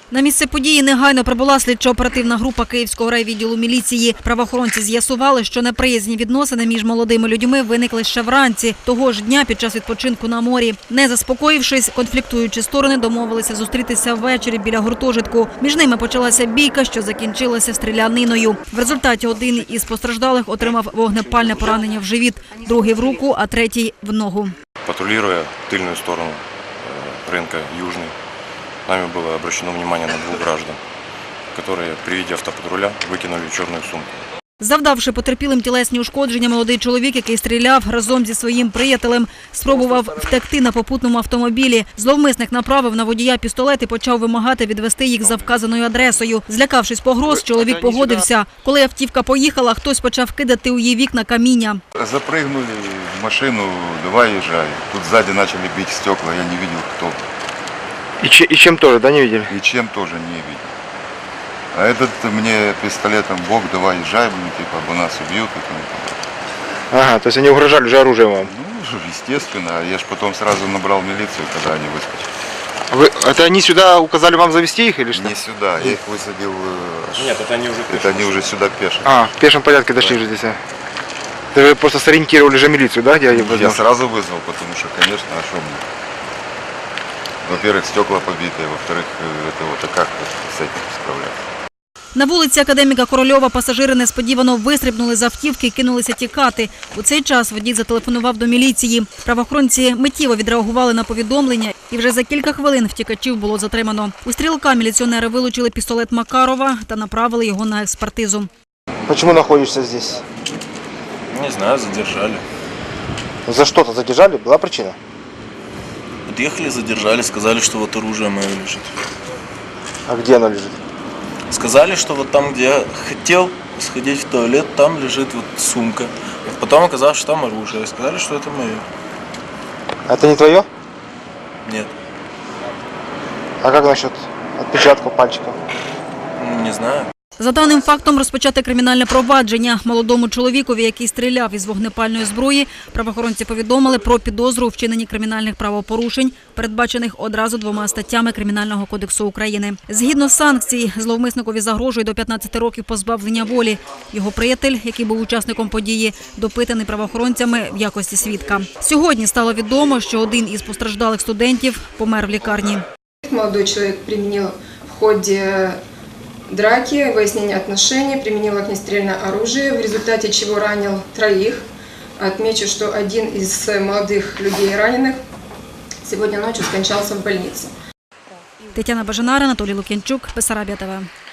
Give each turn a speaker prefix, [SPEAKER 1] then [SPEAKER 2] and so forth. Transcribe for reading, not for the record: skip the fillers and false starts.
[SPEAKER 1] На місце події негайно прибула слідчо-оперативна група Київського райвідділу міліції. Правоохоронці з'ясували, що неприязні відносини між молодими людьми виникли ще вранці того ж дня під час відпочинку на морі. Не заспокоївшись, конфліктуючі сторони домовилися зустрітися ввечері біля гуртожитку. Між ними почалася бійка, що закінчилася стріляниною. В результаті один із постраждалих отримав вогнепальне поранення в живіт, другий в руку, а третій в ногу.
[SPEAKER 2] Патрулируя тыльную сторону рынка Южный, нами было обращено внимание на двух граждан, которые при виде автопатруля выкинули черную сумку.
[SPEAKER 1] Завдавши потерпілим тілесні ушкодження, молодий чоловік, який стріляв разом зі своїм приятелем, спробував втекти на попутному автомобілі. Зловмисник направив на водія пістолет і почав вимагати відвести їх за вказаною адресою. Злякавшись погроз, чоловік погодився. Коли автівка поїхала, хтось почав кидати у її вікна каміння.
[SPEAKER 3] Запрыгнули в машину, давай езжай. Тут сзади начали бить стекла, я не видел, кто.
[SPEAKER 4] И чем тоже, да, не видели?
[SPEAKER 3] И чем тоже не видел. А этот мне пистолетом: Бог, давай езжай, типа, бы нас убьют. И тому подобное.
[SPEAKER 4] Ага, то есть они угрожали уже оружием вам?
[SPEAKER 3] Ну, естественно. Я ж потом сразу набрал милицию, когда они выскочили.
[SPEAKER 4] Это они сюда указали вам завести их или что?
[SPEAKER 3] Не сюда, я их высадил.
[SPEAKER 2] Нет, это они уже
[SPEAKER 3] Это они уже сюда пешим.
[SPEAKER 4] А, в пешем порядке дошли же здесь. Вы просто сориентировали же милицию, да, где я
[SPEAKER 3] Я сразу вызвал, потому что, конечно, а что мне? Во-первых, стекла побитые, во-вторых, это вот, а как с этим справляться?
[SPEAKER 1] На вулиці Академіка Корольова пасажири несподівано вистрибнули з автівки і кинулися тікати. У цей час водій зателефонував до міліції. Правоохоронці миттєво відреагували на повідомлення, і вже за кілька хвилин втікачів було затримано. У стрілка міліціонери вилучили пістолет Макарова та направили його на експертизу.
[SPEAKER 4] Почему находишься здесь?
[SPEAKER 5] Не знаю, задержали.
[SPEAKER 4] За что-то задержали? Была причина?
[SPEAKER 5] Подъехали, задержали, сказали, что вот оружие мое лежит.
[SPEAKER 4] А где оно лежит?
[SPEAKER 5] Сказали, что вот там, где я хотел сходить в туалет, там лежит вот сумка. Потом оказалось, что там оружие. Сказали, что это мое.
[SPEAKER 4] Это не твое?
[SPEAKER 5] Нет,
[SPEAKER 4] А как насчет отпечатков пальчиков?
[SPEAKER 5] не знаю.
[SPEAKER 1] За даним фактом розпочати кримінальне провадження. Молодому чоловікові, який стріляв із вогнепальної зброї, правоохоронці повідомили про підозру у вчиненні кримінальних правопорушень, передбачених одразу 2 статтями Кримінального кодексу України. Згідно санкцій, зловмисникові загрожує до 15 років позбавлення волі. Його приятель, який був учасником події, допитаний правоохоронцями в якості свідка. Сьогодні стало відомо, що один із постраждалих студентів помер в лікарні.
[SPEAKER 6] Молодой человек применил в ходе драки, выяснения отношений, применил огнестрельное оружие, в результате чего ранил 3. Отмечу, что один из молодых людей раненых сегодня ночью скончался в больнице.
[SPEAKER 1] Тетяна Бажанара, Анатолій Лук'янчук, Бессарабія ТВ.